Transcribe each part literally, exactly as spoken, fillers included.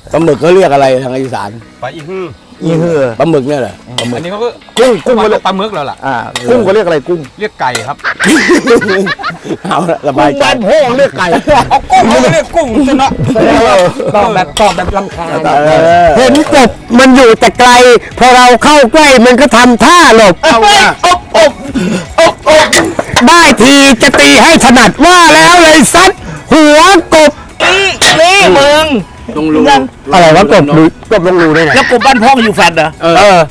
ปลาหมึกเขาเรียกอะไรทางอีสานปลาอีฮืออีฮือปลาหมึกเนี่ยเหรอปลาหมึกอันนี้เขาก็กุ้งกุ้งเขาเรียกปลาหมึกแล้วล่ะอ่ากุ้งเขาเรียกอะไรกุ้งเรียกไก่ครับเอาละสบายใจบ้านพ่อเรียกไก่เอากุ้งเขาเรียกกุ้งใช่ไหมตอบแบบตอบแบบลำคาญเห็นกบมันอยู่แต่ไกลพอเราเข้าใกล้มันก็ทำท่าหลบเอาอบอบอบอบได้ทีจะตีให้ถนัดว่าแล้วเลยซัดหัวกบนี่มึงตรงรูอะไรวะกบรูกบลงรูได้ไงแล้วกบบ้านพ่ออยู่แฟนเหรอเออ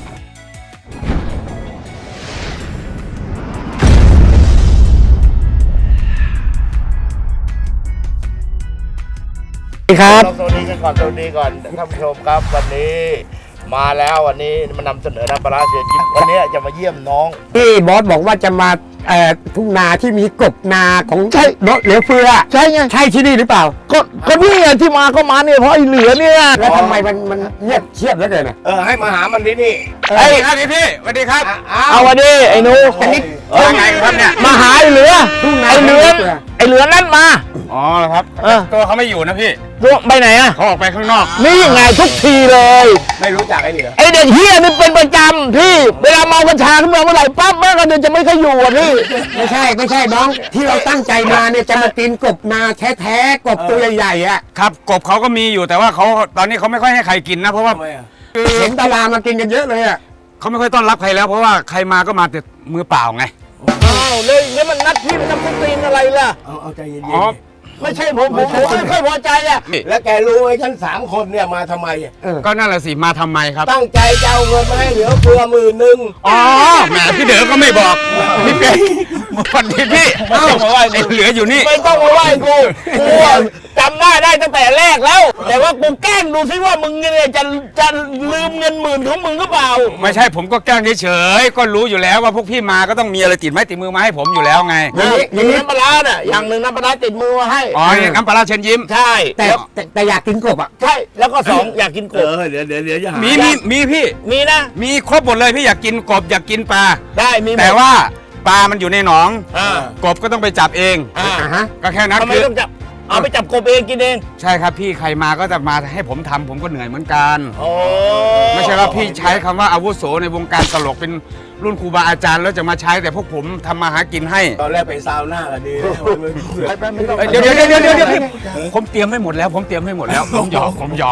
ครับสวัสดีกันก่อนสวัสดีก่อนท่านผู้ชมครับวันนี้มาแล้ววันนี้มานำเสนอน้ำปลาเสือจิ้มวันนี้จะมาเยี่ยมน้องที่บอสบอกว่าจะมาเอ่อทุ่งนาที่มีกบนาของใช่เนาะเหลือเฟือใช่ไงใช่ที่นี่หรือเปล่าก็ก็นี่ไงที่มาก็มาเนี่ยเพราะไอ้เหลือเนี่ยแล้วทำไมมันมันเงียบเชียบแล้วเกินอ่ะเออให้มาหามันที่นี่ไอ้ครับพี่พี่สวัสดีครับเอาวันนี้ไอ้หนูอันนี้ยังไงครับเนี่ยมาหาไอ้เหลือทุ่งนาไอ้เหลือไอ้เหลือนั่นมาอ๋อครับตัวเขาไม่อยู่นะพี่ตัวไปไหนอ่ะเขาออกไปข้างนอกนี่ไงทุกทีเลยไม่รู้จักไอ้เหลือไอ้เด็กเฮียนี่เป็นประจำพี่เวลาเมากัญชาขึ้นมาเมื่อไหร่ปั๊บแม่ก็เดินจะไม่ค่อยอยู่อ่ะพี่ไม่ใช่ไม่ใช่น้องที่เราตั้งใจมาเนี่ยจะมากินกบนาแท้ๆกบตัวใหญ่ๆอ่ะครับกบเขาก็มีอยู่แต่ว่าเขาตอนนี้เขาไม่ค่อยให้ใครกินนะเพราะว่าเห็นดารามากินกันเยอะเลยอ่ะเขาไม่ค่อยต้อนรับใครแล้วเพราะว่าใครมาก็มาแต่มือเปล่าไงอ้าวเลยแล้วมันนัดพี่มันทำตีนอะไรล่ะเอาเอาใจเย็นอ๋อไม่ใช่ผมผมผมไม่ค่อยพอใจอ่ะๆแล้วแกรู้ไหมฉันสามคนเนี่ยมาทำไมก็นั่นแหละสิมาทำไมครับตั้งใจจะเอาเงินมาให้เหลือเฟือหมื่นหนึ่งอ๋อแหมพี่เด๋อก็ไม่บอกพี่เด๋อวันนี้พี่เอ้าไอ้เหลืออยู่นี่ไม่ต้องมาไหว้กูกูจำได้ได้ตั้งแต่แรกแล้ว แต่ว่ากูแกล้งดูซิว่ามึงเนี่ยจะจะลืมเงินหมื่นของมึงหรือเปล่าไม่ใช่ผมก็แกล้งเฉยๆก็รู้อยู่แล้วว่าพวกพี่มาก็ต้องมีอะไรติดไม้ติดมือมาให้ผมอยู่แล้วไงอย่างนี้น้ำปลาเนี่ยอย่างหนึ่งน้ำปลาติดมือมาให้อ๋อน้ำปลาเชิญยิ้มใช่ แต่แต่แต่อยากกินกบอ่ะใช่ แล้วก็สองอยากกินกเอบ อเดี๋ยวเดี๋ยวเดี๋ยวจะหามีมีมีพี่มีนะมีครบหมดเลยพี่อยากกินกบอยากกินปลาได้มีหมดแต่ว่าปลามันอยู่ในหนองอ่ากบก็ต้องไปจับเองอ่าฮะก็แค่นั้นทำไมคือต้องจับเอาไปจับกบเองกินเองใช่ครับพี่ใครมาก็จะมาให้ผมทำผมก็เหนื่อยเหมือนกันโอ้ไม่ใช่ว่าพี่ใช้คำว่าอาวุโสในวงการตลกเป็นรุ่นครูบาอาจารย์แล้วจะมาใช้แต่พวกผมทำมาหากินให้ตอนแรกไปซาวน่ากันดีเอ้ยเดี๋ยวเดี๋ยวเดี๋ยวเดี๋ยวเดี๋ยวพี่ผมเตรียมให้หมดแล้ว ผมเตรียมให้หมดแล้วผมหยอกผมหยอก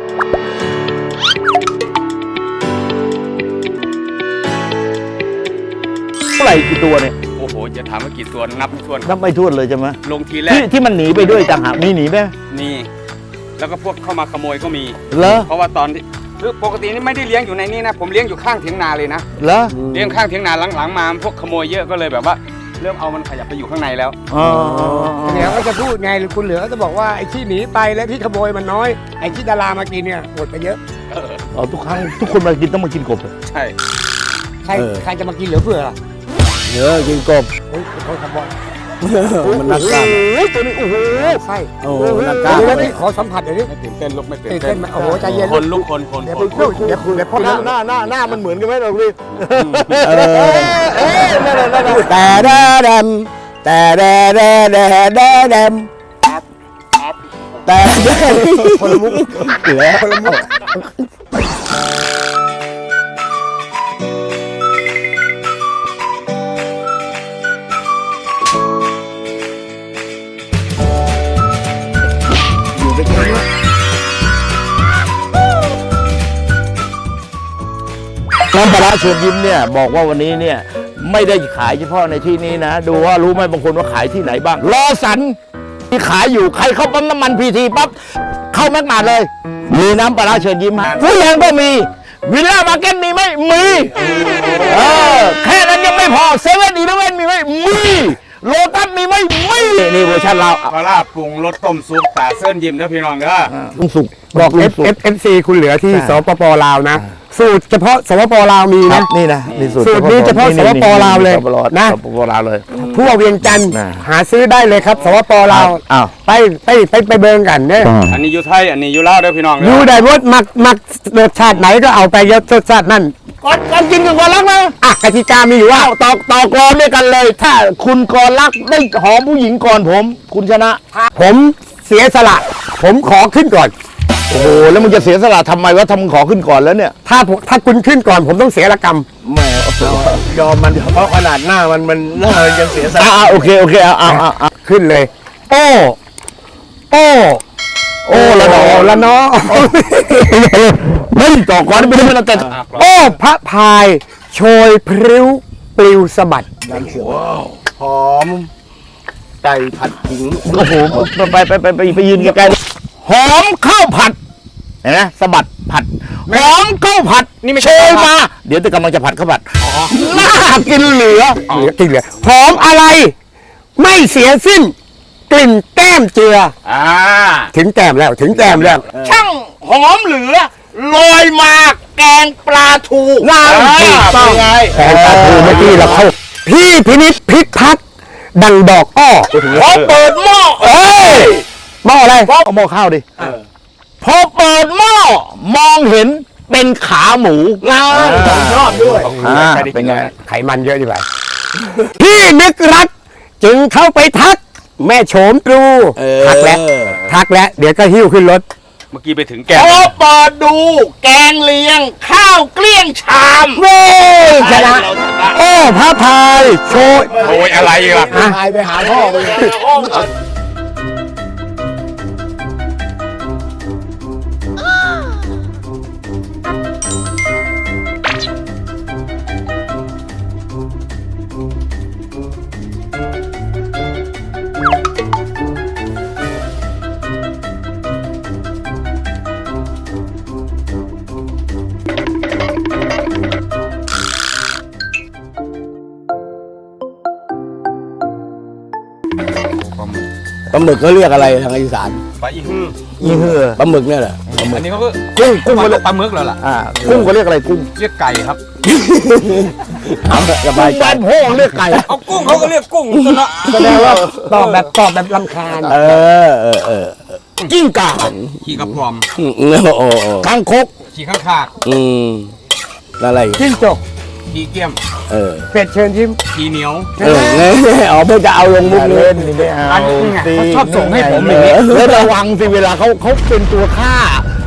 เท่าไหร่กี่ตัวเนี่ยโอ้โหจะถามว่ากี่ตัวนับไม่ถ้วนนับไม่ถ้วนเลยใช่ไหมลงทีแรที่กที่มันหนีไปด้วยต่างหากมีหนีไหมนี่แล้วก็พวกเข้ามาขโมยก็มีเหรอเพราะว่าตอนที่คือปกตินี่ไม่ได้เลี้ยงอยู่ในนี้นะผมเลี้ยงอยู่ข้างเถียงนาเลยนะเหรอเลี้ยงข้างเถียงนาหลังๆมาพวกขโมยเยอะก็เลยแบบว่าเริ่มเอามันขยับไปอยู่ข้างในแล้วอ๋อเหลือก็จะพูดไงหรือคุณเหลือก็จะบอกว่าไอ้ที่หนีไปและที่ขโมยมันน้อยไอ้ที่ดารามากินเนี่ยหมดไปเยอะอ๋อทุกครั้งทุกคนมากินต้องมากินกบเลยใช่ใครใครจะมากินเหลือเฟือล่ะเนื้อกินกบเฮ้ยเขาทำบอลมันนักกล้ามโอ้ยตัวนี้โอ้โหใช่โอ้โหนักกล้ามเดี๋ยวนี่ขอสัมผัสเดี๋ยวนี้ไม่ตื่นเต้นลูกไม่ตื่นตื่นเต้เต้นนไหมโอ้โหใจเย็นคนลุกคนคนเดี๋ยวคไปนพูดเดี๋ยวเดี๋ยวพ่อหน้าหน้าหน้าหน้ามันเหมือนกันไหมเราพี่เออแต่แดมแต่แดแดแดแดแดมแต่คนละมุกเหลือคนละมุกน้ำปลาร้าเชิญยิ้มเนี่ยบอกว่าวันนี้เนี่ยไม่ได้ขายเฉพาะในที่นี้นะ ดูว่ารู้ไหมบางคนว่าขายที่ไหนบ้างรอสันที่ขายอยู่ใครเข้าปั๊มน้ำมันพีทีปั๊บเข้าแม็กมาเลย มีน้ำปลาร้าเชิญยิ้มฮะผู้แรงก็มีวิลล่ามาร์เก็ตมีไหมมีเออแค่นั้นยังไม่พอเซเว่นอีเลฟเว่นมีไหมมีโลตัสมีไหมมีนี่เวอร์ชันเราปลาร้าปรุงรสต้มซุปตาเส้นยิ้มนะพี่น้องเด้อลุงสุกบอกลุเอง ฟสุกเอฟเอฟซีคุณเหลือที่สปปลาวนะ สูตรเฉพาะสปปลาวมีครันะบนี่นะนี่สูตรสูตรนี้เฉพาะสปปลาวเลยสปปลาวนะสปปลาวเลยทั่วเวียงจันทร์นะหาซื้อได้เลยครับสปปลาวอ้าวไปไปไปไปเบิงกันเนี่ยอันนี้อยู่ไทยอันนี้อยู่ลาวเด้อพี่น้องอเด้ยู่อได้รสมักมักรสชาติไหนก็เอาไปเยอะรสชาตินั่นก่อนก่อนกินกันก่อนรักนะอ่ะกติกามีอยู่ว่าต่อต่อกรอนด้วยกันเลย ถ้าคุณกรรักได้หอมผู้หญิงก่อนผม คุณชนะผมเสียสละ ผมขอขึ้นก่อนโอ้โหแล้วมึงจะเสียสละทำไมวะทำมึงขอขึ้นก่อนแล้วเนี่ยถ้าผมถ้าคุณขึ้นก่อนผมต้องเสียละกรรมแหมยอมมันเพราะขนาดหน้ามันมันหน้ามันยังเสียสละอ่าโอเคโอเคเอาเอาเอาเอาขึ้นเลย โอ้โอ้โอ้ละนอละนอเฮ้ยต่อก่อนไม่ได้ไม่ได้แต่โอ้พระพายโชยพริ้วปลิวสะบัดน้ำเสือหอมไก่ผัดขิงโอ้โหไปไปไปไปไปยืนไกลๆหอมข้าวผัดเห็นไหมสะบัดผัดหอมข้าวผัดนี่ไม่ใช่มา เดี๋ยวจะกำลังจะผัดข้าวผัดน่ากินเหลือเหลือกินเหลือหอมอะไร ไม่เสียสิ้น กลิ่นแก้มเจืออ่าถึงแก้มแล้วถึงแก้มแล้วช่างหอมเหลือลอยมาแกงปลาทูนั่นถูกต้องไงแฟนตาทูเมื่อกี้เราเข้าพี่พินิจพิพัฒน์ดังดอกอ้อพอเปิดหม้อเอ้ยหม้ออะไรเอาหม้อข้าวดิพอเปิดหม้อมองเห็นเป็นขาหมูงาผมชอบด้วยอ่าเป็นไงไขมันเยอะดีกว่าพี่นึกรัก จึงเข้าไปทัก แม่โฉมตรูทักแล้วทักแล้วเดี๋ยวก็หิ้วขึ้นรถเมื่อกี้ไปถึงแกพอเปิดดูแกงเลียง ข้าวเกลี้ยงชามเว้ยชนะโอ้พระพายโชยโอ้ยอะไรล่ะพายไปหาพ่อไป ปลาหมึกเขาเรียกอะไรทางอีสานปลาอีฮือยี่เหือปลาหมึกเนี่ยแหละอันนี้เขาก็กุ้งกุ้งเขาเรียกปลาหมึกแล้วล่ะอ่ากุ้งเขาเรียกอะไรกุ้งเรียกไก่ครับถามสบายใจบ้านโพงเรียกไก่เอากุ้งเขาก็เรียกกุ้งซะละแสดงว่าตอบแบบตอบแบบลำคาญเออเออเออกิ้งก่าขี่กระพรอมอืมโอ้โหคางคกขี่ข้างคากอืมอะไรอีกจิ้งจกขี่เกี้ยมเออเป็ดเชิญยิ้มขี่เหนียวเออเนี่ยอ๋อเพื่อจะเอาลงมุกนี้เล่นนี่ไม่เอาอันนี้ไงสิเขาชอบส่งให้ผมอย่างนี้แล้วระวังสิเวลาเขาเขาเป็นตัวฆ่า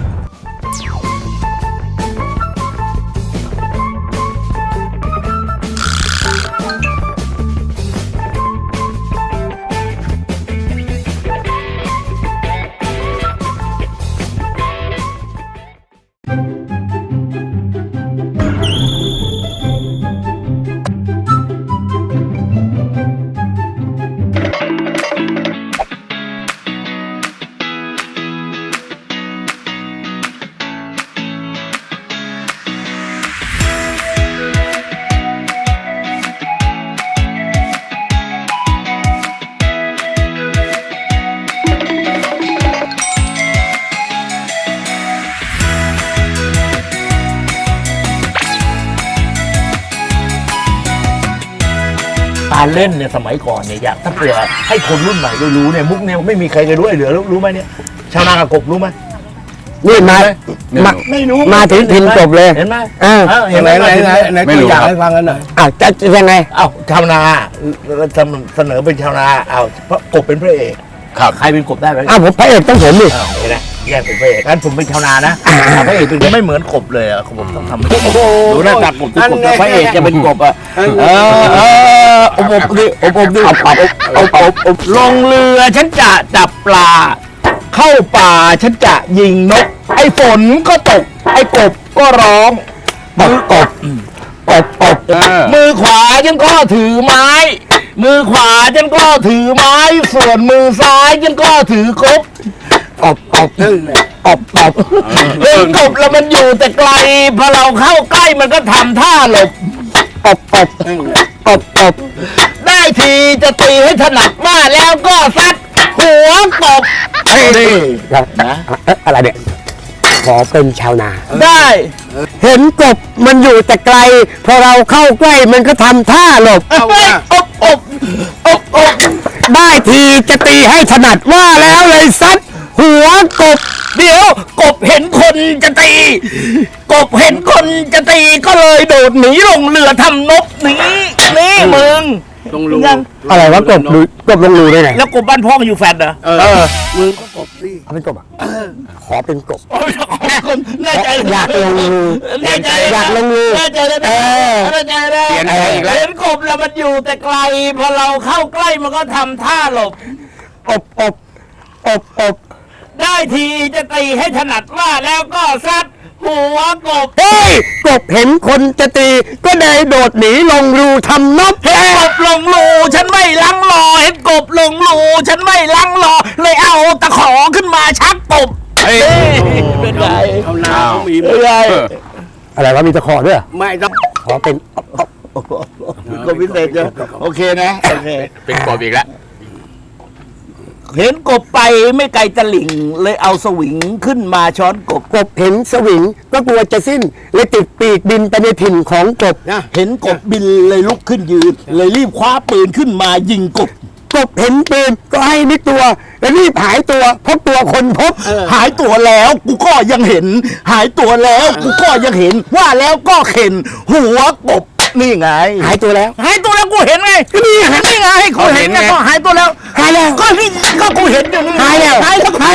การเล่นเนี่ยสมัยก่อนเนี่ยอยากถ้าเผื่อให้คนรุ่นใหม่ได้รู้เนี่ยมุกเนี่ยไม่มีใครเคยรู้ไอ้เหลือรู้ไหมเนี่ยชาวนากับกบรู้ไหมนี่มามาไม่รู้มาถึงพินจบเลยเห็นไหมอ่าเออเห็เห็นนไหไหนมไหนไหนไหนไม่ตัวรู้อย่างครับให้ฟังกันหน่อยอ้าวจะจะยังไงเอ้าชาวนาเสนอเป็นชาวนาเอ้าเพราะกบเป็นพระเอกครับใครเป็นกบได้ไหมอ้าวผมพระเอกต้องผมดิอ้าวเห็นไหมแยกเป็นพระเอกงั้นผมเป็นชาวนานะพระเอกเป็นไม่เหมือนกบเลยอ่ะผมต้องทำให้ดูหน้าตากบที่กบแล้วพระเอกจะเป็นกบอ่ะเออเอออบอบดิอบอบดิอบอบอบอบอบลงเรือฉันจะจับปลา เข้าป่าฉันจะยิงนก ไอ้ฝนก็ตก ไอ้กบก็ร้องมือกบกบกบมือขวาฉันก็ถือไม้ มือขวาฉันก็ถือไม้ ส่วนมือซ้ายฉันก็ถือกบอบอบอบอบเล่นกบแล้วมันอยู่แต่ไกลพอเราเข้าใกล้มันก็ทำท่าหลบอบอบอบอบได้ทีจะตีให้ถนัดว่าแล้วก็ซัดหัวกบนี่ครับเอ๊ะอะไรเนี่ยขอเป็นชาวนาได้เห็นกบมันอยู่แต่ไกล พอเราเข้าใกล้มันก็ทำท่าหลบเอาอบอบอบอบได้ทีจะตีให้ถนัดว่าแล้วเลยซัดหัวกบเดี๋ยวกบเห็นคนจะตี กบเห็นคนจะตีก็เลยโดดหนีลงเรือทำนบหนีนี่มึงตรงรูยังอะไรวะกบรูกบลงรูได้ไงแล้วกบบ้านพ่ออยู่แฟดเหรอเออมึงก็กบสิเอาเป็นกบอ่ะขอเป็นกบแน่ใจเลยอยากลงรูแน่ใจอยากลงรูแน่ใจเลยเอนะอแน่ใจเลยเปลี่ยนอะไรอีกแล้วเห็นกบแล้วมันอยู่แต่ไกลพอเราเข้าใกล้มันก็ทำท่าหลบอบอบอบอบได้ทีจะตีให้ถนัดว่าแล้วก็ซัดหัวกบเฮ้ยกบเห็นคนจะตีก็เลยโดดหนีลงรูทำนบเห็นกบลงรูฉันไม่ลังรอเห็นกบลงรูฉันไม่ลังรอเลยเอาตะขอขึ้นมาชักกบเฮ้ยเป็นไงเอาน้ำมีหมเป็นดไงอะไรวะมีตะขอด้วยเหรอไม่ต้องขอเป็นกบพิเศษเยอะโอเคนะโอเคเป็นกบอีกแล้วเห็นกบไปไม่ไกลตะหลิ่งเลยเอาสวิงขึ้นมาช้อนกบกบเห็นสวิงก็กลัวจะสิ้นเลยติดปีกบินไปในถิ่นของกบนะเห็นกบบินเลยลุกขึ้นยืน เลยรีบคว้าปืนขึ้นมายิงกบกบเห็นปืนก็ให้นิดตัวแล้วรีบหายตัวเพราะตัวคนพบหายตัวแล้วกูก็ยังเห็น หายตัวแล้วกูก็ยังเห็น ว่าแล้วก็เข็นหัวกบนี่ไงหายตัวแล้วหายตัวแล้วกูเห็นไงนี่ไงนี่ไงกูเห็นไงก็หายตัวแล้วหายแล้วก็นี่ก็กูเห็นอยู่นี่ไงหายแล้วหายแล้วหาย